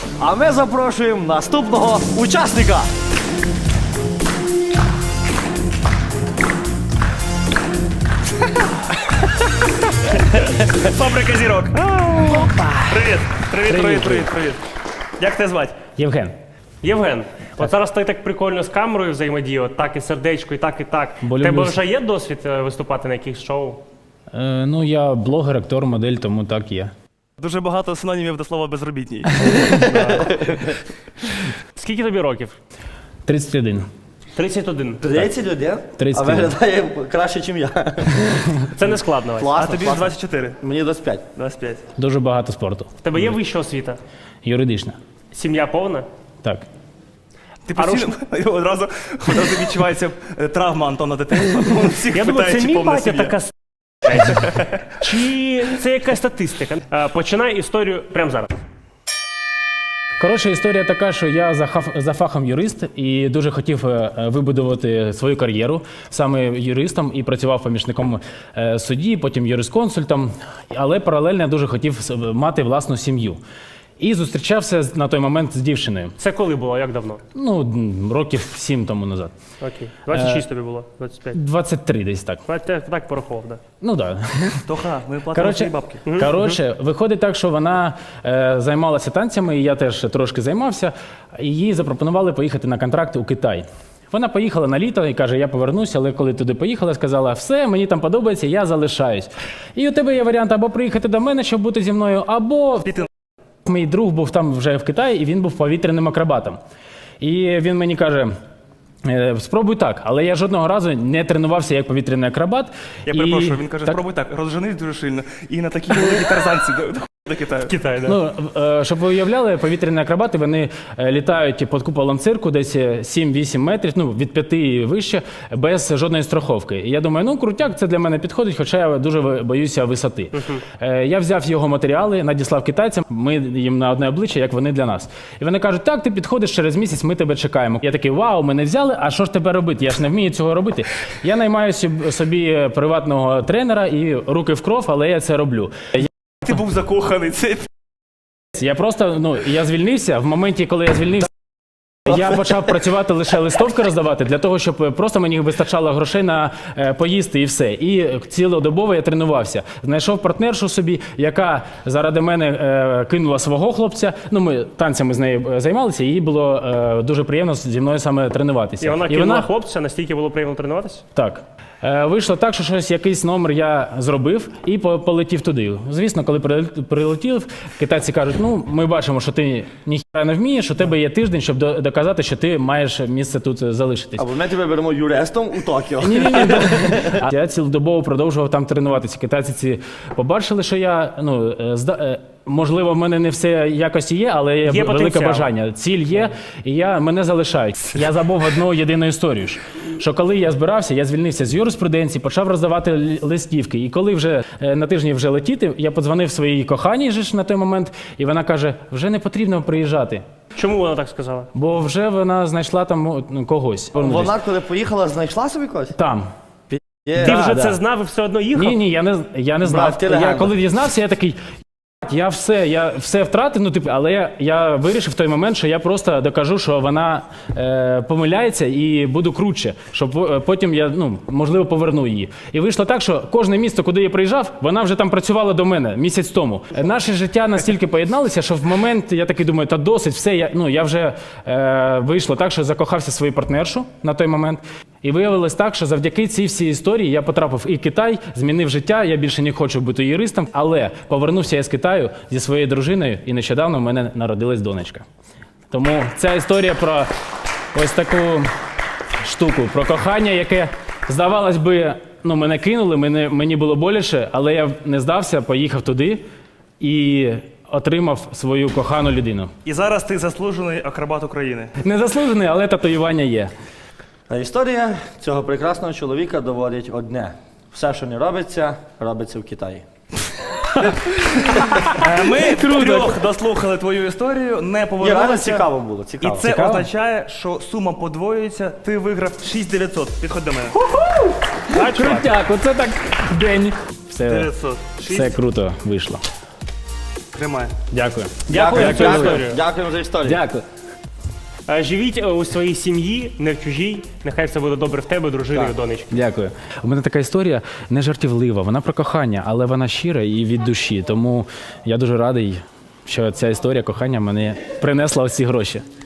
А ми запрошуємо наступного учасника. Фабрика зірок. Привіт. Як тебе звати? Євген. Євген. От зараз ти так прикольно з камерою взаємодіяв, так і сердечко, і так, і так. Бо У тебе люблю. вже є досвід виступати на якихось шоу? Ну, я блогер, актор, модель, тому так є. Дуже багато синонімів до слова безробітній. Скільки тобі років? 31. 31. 30 людей? 30 А виглядає краще, ніж я. Це не складно. Вась. А Класно, тобі ж класно. 24, Мені 25. 25. Дуже багато спорту. В тебе є вища освіта? Юридична. Сім'я повна? Так. Ти постійно одразу відчувається травма Антона дитинства. Він всіх Я думаю, питає, це чи мій повна батя сім'я. така Чи це якась статистика? Починай історію прямо зараз. Коротше, історія така, що я за фахом юрист і дуже хотів вибудувати свою кар'єру саме юристом і працював помічником судді, потім юрисконсультом, але паралельно я дуже хотів мати власну сім'ю. І зустрічався на той момент з дівчиною. Це коли було? Як давно? Ну, років 7 тому назад. Окей. 26 тобі було? 25? 23 десь так. Так порахував, так. Ну так. Да. Тоха, ми платимо свої бабки. Коротше, виходить так, що вона займалася танцями, і я теж трошки займався, і їй запропонували поїхати на контракт у Китай. Вона поїхала на літо і каже, я повернуся, але коли туди поїхала, сказала, все, мені там подобається, я залишаюсь. І у тебе є варіант або приїхати до мене, щоб бути зі мною, або мій друг був там вже в Китаї, і він був повітряним акробатом. І він мені каже, спробуй так, але я жодного разу не тренувався як повітряний акробат. Я перепрошую, він каже, спробуй так, розженись дуже сильно і на такій великій тарзанці до Китаю. Китай, так. Ну, щоб ви уявляли, повітряні акробати, вони літають під куполом цирку десь 7-8 метрів, ну, від 5 і вище, без жодної страховки. І я думаю, ну, крутяк, це для мене підходить, хоча я дуже боюся висоти. Я взяв його матеріали, надіслав китайцям, ми їм на одне обличчя, як вони для нас. І вони кажуть, так, ти підходиш через місяць, ми тебе чекаємо. Я такий, вау, мене взяли, а що ж тебе робити? Я ж не вмію цього робити. Я наймаю собі приватного тренера і руки в кров, але я це роблю. Ти був закоханий, це Я просто, ну, я звільнився, в моменті, коли я звільнився, я почав працювати лише листовки роздавати, для того, щоб просто мені вистачало грошей на поїсти і все. І цілодобово я тренувався. Знайшов партнершу собі, яка заради мене кинула свого хлопця. Ну, ми танцями з нею займалися, і їй було дуже приємно зі мною саме тренуватися. І вона кинула хлопця, настільки було приємно тренуватися? Так. Вийшло так, що якийсь номер я зробив і полетів туди. Звісно, коли прилетів, китайці кажуть, ну, ми бачимо, що ти ніхіра не вмієш, у тебе є тиждень, щоб доказати, що ти маєш місце тут залишитись. Або ми тебе беремо юристом у Токіо. Ні. Я цілодобово продовжував там тренуватися. Китайці ці побачили, що я, ну, можливо, в мене не все якості є, але є велике потенціал. бажання. Ціль є, і мене залишають. Я забув одну єдину історію, що коли я збирався, я звільнився з юриспруденції, почав роздавати листівки. І коли вже на тижні вже летіти, я подзвонив своїй коханій же ж на той момент, і вона каже, вже не потрібно приїжджати. Чому вона так сказала? Бо вже вона знайшла там когось. Вона, коли поїхала, знайшла собі когось? Там. Є. Ти вже да. це знав і все одно їхав? Ні, я не знав. ти легенда. Я коли дізнався, я такий, я все втратив, ну, типу, але я вирішив в той момент, що я просто докажу, що вона помиляється і буду круче, щоб потім я, ну, можливо, поверну її. І вийшло так, що кожне місто, куди я приїжджав, вона вже там працювала до мене місяць тому. Наше життя настільки поєдналися, що в момент я такий думаю, та досить, все, я вже вийшло так, що закохався в свою партнершу на той момент. І виявилось так, що завдяки цій всій історії я потрапив і в Китай, змінив життя, я більше не хочу бути юристом, але повернувся я з Китаю зі своєю дружиною, і нещодавно в мене народилась донечка. Тому ця історія про ось таку штуку, про кохання, яке, здавалось би, ну, мене кинули, мені було боляче, але я не здався, поїхав туди і отримав свою кохану людину. І зараз ти заслужений акробат України. Не заслужений, але татуювання є. А історія цього прекрасного чоловіка доводить одне. Все, що не робиться, робиться в Китаї. Ми трьох дослухали твою історію, не Реально повернулися. цікаво було, І цікаво. це Цікаво? означає, що сума подвоюється, ти виграв 6900. Підходь до мене. Крутяк, оце так день. Все, 900. все круто вийшло. Тримай. Дякую. Дякую за цю історію. Дякуємо за історію. Дякую. Живіть у своїй сім'ї, не в чужій. Нехай все буде добре в тебе, дружини і донечки. Дякую. У мене така історія не жартівлива, вона про кохання, але вона щира і від душі. Тому я дуже радий, що ця історія кохання мені принесла ось ці гроші.